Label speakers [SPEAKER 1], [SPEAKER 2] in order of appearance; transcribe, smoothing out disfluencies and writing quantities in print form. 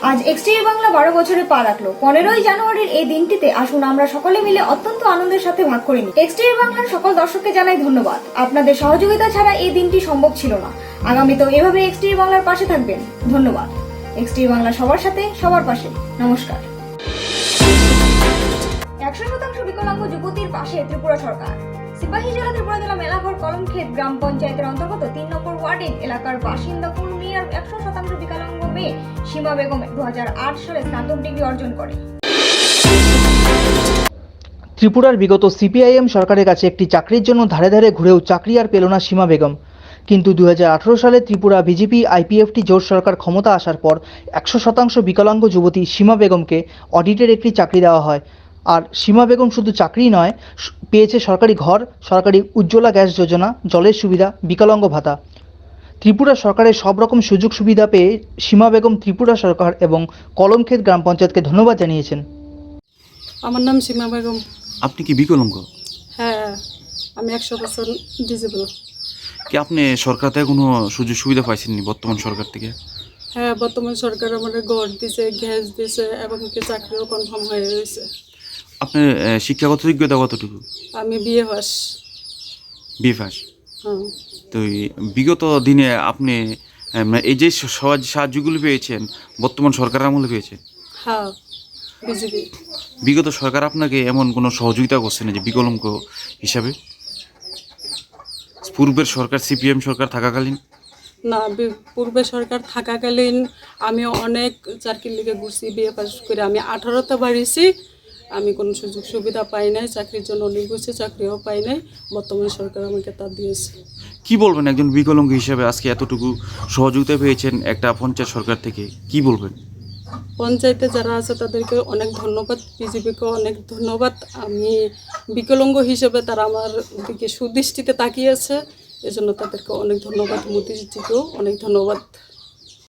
[SPEAKER 1] আজ এক্সটিভি বাংলা 12 বছরে পা রাখলো। 15ই জানুয়ারির এই দিনটিতে আসুন আমরা সকলে মিলে অত্যন্ত আনন্দের সাথে ভাগ করে নিই। এক্সটিভি বাংলার সকল দর্শককে জানাই ধন্যবাদ। আপনাদের সহযোগিতা ছাড়া এই দিনটি সম্ভব ছিল না। আগামীতেও এভাবে এক্সটিভি বাংলার পাশে থাকবেন। ধন্যবাদ। এক্সটিভি বাংলা সবার সাথে, সবার পাশে। নমস্কার। 100% বিকলাঙ্গ যুবতীর পাশে ত্রিপুরা সরকার। সিপাহীজলা ত্রিপুরা জেলা মেলাঘর কলমক্ষেত গ্রাম পঞ্চায়েতের অন্তর্গত 3 নম্বর ওয়ার্ডের এলাকার বাসিন্দা পূর্ণিয়ার 100% বিকলাঙ্গ মেয়ে সীমা বেগম 2008 সালে স্নাতক ডিগ্রি অর্জন করে।
[SPEAKER 2] ত্রিপুরার বিগত সিপিআইএম সরকারের কাছে একটি চাকরির জন্য ধারে ধারে ঘুরেও চাকরি আর পেল না সীমা বেগম। কিন্তু 2018 সালে ত্রিপুরা বিজেপি আইপিএফটি জোট সরকার ক্ষমতা আসার পর 100% বিকলাঙ্গ যুবতী সীমা বেগমকে অডিটের একটি চাকরি দেওয়া হয়। আর সীমা বেগম শুধু চাকরি নয়, পেয়েছে সরকারি ঘর, সরকারি উজ্জ্বলা গ্যাস যোজনা, জলের সুবিধা, বিকলাঙ্গ ভাতা। ত্রিপুরা সরকারের সব রকম সুযোগ সুবিধা পেয়ে সীমা বেগম ত্রিপুরা সরকার এবং কলমক্ষেত গ্রাম পঞ্চায়েতকে ধন্যবাদ জানিয়েছেন।
[SPEAKER 3] আমার নাম সীমা বেগম।
[SPEAKER 4] আপনি কি বিকলাঙ্গ?
[SPEAKER 3] হ্যাঁ, আমি 100% ডিজেবল।
[SPEAKER 4] কি আপনি সরকার থেকে কোনো সুযোগ সুবিধা পাইছেননি বর্তমান সরকার থেকে?
[SPEAKER 3] হ্যাঁ, বর্তমান সরকার আমাদের ঘর দিছে, গ্যাস দিছে এবং কি চাকরিও কনফার্ম হয়ে গেছে।
[SPEAKER 4] আপনার শিক্ষাগত যোগ্যতা কতটুকু?
[SPEAKER 3] আমি বিএ পাস।
[SPEAKER 4] BA pass.
[SPEAKER 3] হ্যাঁ।
[SPEAKER 4] তো এই বিগত দিনে আপনি এই যে সাহায্যগুলো পেয়েছেন বর্তমান সরকারের আমলে পেয়েছেন?
[SPEAKER 3] হ্যাঁ, বিজেপি।
[SPEAKER 4] বিগত সরকার আপনাকে এমন কোনো সহযোগিতা করছে না যে বিকলাঙ্গ হিসাবে? পূর্বের সরকার সিপিএম সরকার থাকাকালীন?
[SPEAKER 3] না, পূর্বে সরকার থাকাকালীন আমি অনেক চাকরির লিগে ঘুরছি, বিএ পাস করে আমি 18তে বাড়িয়েছি। আমি কোনো সুযোগ সুবিধা পাই নাই, চাকরির জন্য অনেক ঘুরছি, চাকরিও পাই নাই। বর্তমান সরকার আমাকে তা দিয়েছে।
[SPEAKER 4] কি বলবেন একজন বিকলাঙ্গ হিসাবে আজকে এতটুকু সহযোগিতা পেয়েছেন একটা পঞ্চায়েত সরকার থেকে, কি বলবেন?
[SPEAKER 3] পঞ্চায়েতে যারা আছে তাদেরকে অনেক ধন্যবাদ, বিজেপিকে অনেক ধন্যবাদ। আমি বিকলাঙ্গ হিসেবে তারা আমার দিকে সুদৃষ্টিতে তাকিয়েছে, এজন্য তাদেরকে অনেক ধন্যবাদ। মোদিজিকেও অনেক ধন্যবাদ।